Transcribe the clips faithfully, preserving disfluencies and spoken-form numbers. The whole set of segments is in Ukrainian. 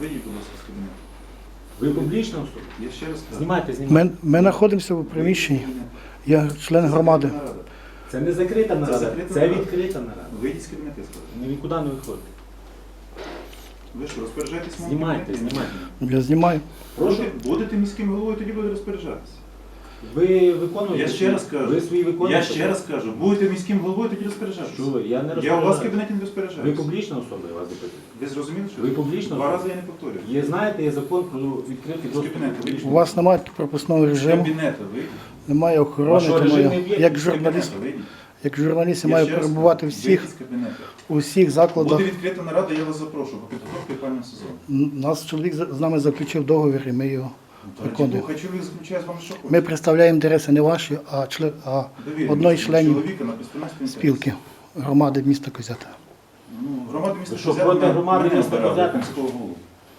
Вийдіть, будь ласка, з кабінету. Ви публічна особа? Я ще раз кажу. Знімайте, знімайте. Ми, ми знаходимося в приміщенні. Я член громади. Це не закрита нарада, закрита це нарада. відкрита нарада. Вийдіть з кабінету, я сказав. Ні нікуди не виходите. Ви що, розпоряджаєтесь в моєму Знімайте, кабінеті? знімайте. Я знімаю. Прошу. Будете, будете міським головою, тоді буде розпоряджатися. Ви виконуєте? Я ще раз кажу. Ви свої виконуєте? Я ще раз кажу, будете міським головою, тоді розпоряджатися. Що ви? Я не Я у розпоряджаюся. вас в кабінеті не Ви розпоряджаюся. публічна особа, я вас запитую. Ви зрозуміли, що? Ви публічна Два особа? рази я не повторюю. Є, знаєте, є закон про відкритий З доступ. кабінету до вийдіть. У публічного вас немає пропускного З режиму, кабінету вийдіть. немає охорони, Вашого тому режиму я, не є? як З журналіст, кабінету вийдіть. як журналіст я Я маю ще раз перебувати кажу, всіх, вийдіть з кабінету. у всіх закладах. Буде відкрита нарада, я вас запрошую, по підготовці опалювального сезону. Н- Нас чоловік з з нами заключив договір і ми його виконуємо. Хай чоловік заключає з вами що хоче. Ми представляємо інтереси не ваші, а, член, а Довір'я одної до членів чоловіка на представництві спілки громади міста Козята. Ну, громади міста Ви що, Козятина проти громади мене міста обирали, Козятина? міського голову,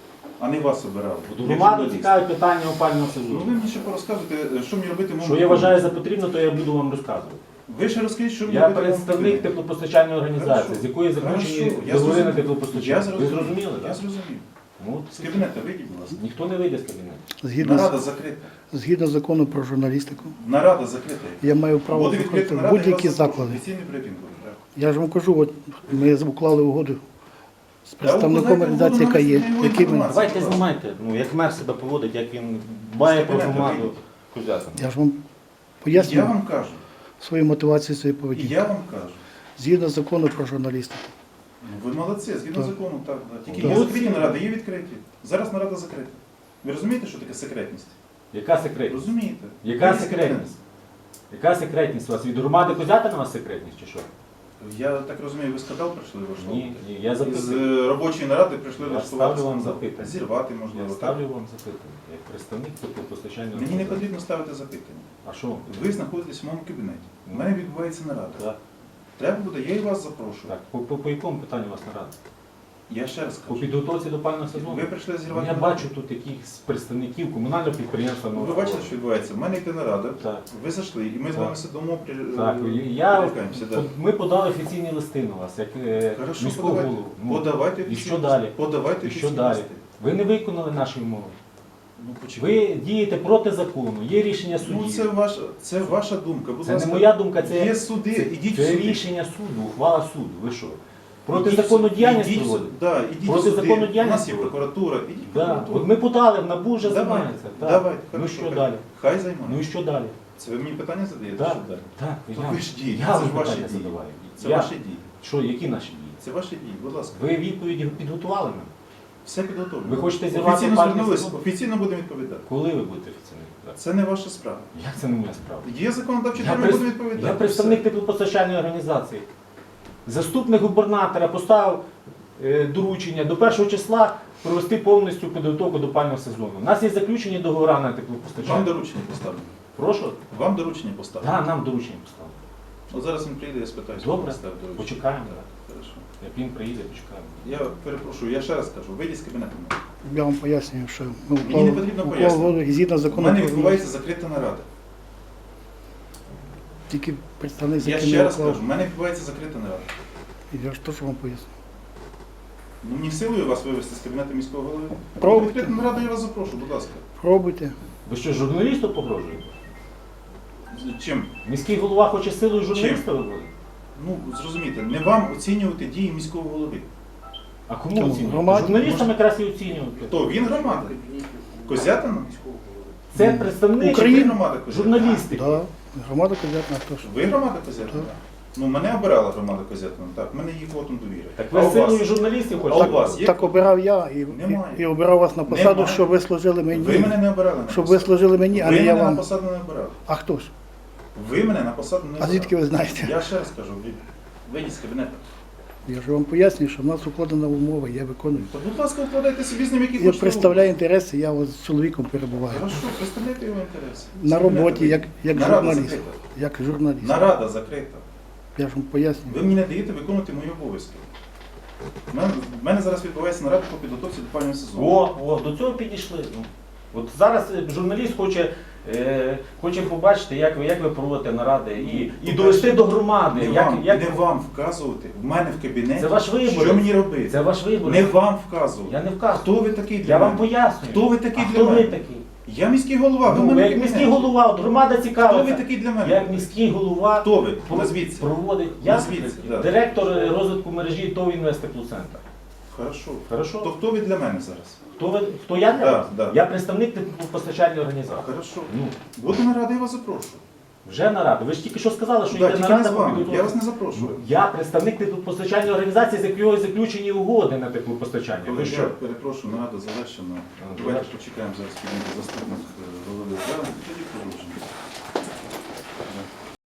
а не вас обирали. До Як громади журналіст. цікавить питання опального Ну сезону. ви мені ще порозказуєте, що мені робити в Що моєму я домі. вважаю за потрібно, то я буду вам розказувати. Ви ще розкажіть, що мені Я робити в моєму представник домі. теплопостачальної організації, Хорошо. з якої заключені Хорошо. Я договори на зрозумів. теплопостачання. Я Ви зрозумів. зрозуміли, Я так? зрозумів. Ну, З кабінету вийдіть, будь ласка. ніхто не вийде з кабінету. Згідно, Нарада з- закрита. згідно закону про журналістику, Нарада закрита. я маю право Буде заходити відкрита в нарада, я будь-які вас запрошую. заклади. Офіційний брифінг буде, так. Я ж вам кажу, от ми уклали угоду з Та представником укладайте організації, яка угоду, є, навіть не його який ми. інформацію. Давайте знімайте, ну, як мер себе поводить, як він дбає про кабінету громаду вийдіть. Козятина. Я ж вам Я пояснюю вам кажу. свою мотивацію своєї І поведінки. я вам кажу. Згідно закону про журналістику. Ну, ви молодці, згідно Так. закону, так. Да. Тільки Так. є закриті наради, є відкриті. Зараз нарада закрита. Ви розумієте, що таке секретність? Яка секретність? Розумієте? Яка Вийдіть з секретність? Яка секретність у вас? Від громади Козятина у вас секретність чи що? кабінету. Я так розумію, ви скандал прийшли Ні, ні, я Із запитую. е, робочої наради прийшли Я влаштувати ставлю вам скандал. запитання. Зірвати, Я можливо. так? ставлю вам запитання, як представник теплопостачальної Мені не організації. потрібно ставити запитання. А що? Ви знаходитесь в моєму кабінеті. У мене відбувається нарада. Так, Треба буде, я і вас запрошую. так. По, по, по якому питанню у вас нарада? Я ще раз По кажу. підготовці до пального сезону? Ви прийшли Ну, зірвати. я нараду. бачу тут якихось представників комунального підприємства. Ви бачите, що відбувається? У мене йде нарада. Так. Ви зайшли, і ми з Так. вами сидимо, при... Так, я, перелякаємося, да. ми подали офіційні листи на вас, як е, Хорошо, міського подавайте. голову. Ну, Подавайте і офіційні що листи. далі? Подавайте І що офіційні далі? листи. Ви не виконали наші умови. Ну, почекайте. Ви дієте проти закону, є рішення судів. Ну, це ваша, це ваша думка. Будь Це не ласка. моя думка, це, Є суди, це, ідіть це в суди. рішення суду, ухвала суду. Ви що? Проти Ідіть в закону суд- діяльність ідіть в суд- проводите? Да, ідіть Проти в суди. закону У нас діяльність є проводите? прокуратура, ідіть в Да. прокуратуру. От ми подали, в НАБУ вже Давайте, займається. Так. давайте, Ну хорошо, що хай- далі? Хай займається. Ну і що далі? Це ви мені питання задаєте? Так, Що далі? так, То я, ви ж дієте, я це вам ж ваші питання дії. задаваю. Це Я- ваші дії. Що, які наші дії? Це ваші дії, будь ласка. Ви відповіді підготували нам? Все підготовлено. Ви хочете зірвати Офіційно пальний звернулись, сезон? офіційно будемо відповідати. Коли ви будете офіційно відповідати? Це не ваша справа. Як це не моя справа? Є законодавчі Я, термін, прес- будемо відповідати. я представник Все. теплопостачальної організації. Заступник губернатора поставив е, доручення до першого числа провести повністю підготовку до пального сезону. У нас є заключені договори на Вам теплопостачання. доручення поставлено. Прошу? Вам доручення поставлено. Так, нам доручення поставили. От зараз він приїде, я спитаю. Добре, поставив доручення. почекаємо. Хорошо. Як він приїде, почекаємо. Я перепрошую, я ще раз кажу, вийдіть з кабінету. Я вам пояснюю, що ми Мені не потрібно уклали пояснювати. угоду і згідно У закону мене про відбувається журналістику. закрита нарада. Тільки представник, з Я яким ще я раз уклав. кажу, у мене відбувається закрита нарада. І я ж теж вам поясню. Ну, мені силою вас вивести з кабінету міського голови. Пробуйте. Відкриту нараду я вас запрошу, будь ласка. Пробуйте. Ви що, журналісту погрожуєте? Чим? Міський голова хоче силою журналіста виводити? Ну, зрозумійте, не вам оцінювати дії міського голови. А кому Чому? оцінювати? Громаді? Журналістам якраз і оцінювати. Хто? Він громада? Козятина? Це представник Ви громада Козятина? журналістики. Да. Громада Козятина теж. Ви громада Козятина? Так. Ну, мене обирала громада Козятина, так, мене її квотом довіри. Так А ви у силою вас? журналістів А у хочете? вас є? Так обирав я і, і, Немає. і обирав вас на посаду, Немає. щоб ви служили Ви мені. мене не обирали на Щоб ви посаду. служили мені, а Ви не я мене на вам. посаду не обирали. А хто ж? Ви мене на посаду не А обирали. звідки ви знаєте? Я ще раз кажу, ви- вийдіть з кабінету. Я ж вам пояснюю, що в нас укладена умова, я виконую. То, будь ласка, вкладайте собі з ним які Я хочете. представляю інтереси, я от з чоловіком перебуваю. Хорошо, представляйте його інтереси. На З кабінету роботі, як, вийдіть. як Нарада журналіст. закрита. Як журналіст. Нарада закрита. Я ж вам пояснюю. Ви мені не даєте виконувати мої обов'язки. У мене, в мене зараз відбувається нарада по підготовці до пального сезону. О, о, до цього підійшли. Ну, от зараз е, журналіст хоче Е, хочемо побачити, як ви, як ви проводите наради і, і довести до громади. Не Як, вам, як... не вам вказувати в мене в кабінеті, Це ваш вибір. що мені робити. Це ваш вибір. Не вам вказувати. Я не вказую. Хто ви такий для Я мене? вам пояснюю. Хто ви такий а для хто мене? ви такий? Я міський голова, ви в Ну, мене ви в як кабінеті. міський голова, от громада цікавиться. Хто ви такий для мене? Як міський голова Хто ви? про- Назвіться. проводить. Я Назвіться, да. директор розвитку мережі ТОВ «Інвестеплюс-Центр». Хорошо. Хорошо. То хто ви для мене зараз? Хто, ви, хто я для Да, вас? да. Я представник постачальної організації. Хорошо. Ну, Буду на раді, я вас запрошую. вже нарада. Ви ж тільки що сказали, що Да, йде тільки не нарада з по вами. підготовці. Я вас не запрошую. Ну, я представник постачальної організації, з якої заключені угоди на таку постачання. Коли Ви я що? перепрошую, нарада завершена. А, Давайте завершена. почекаємо зараз підійде заступник е, голови. Да, тоді продовжимо.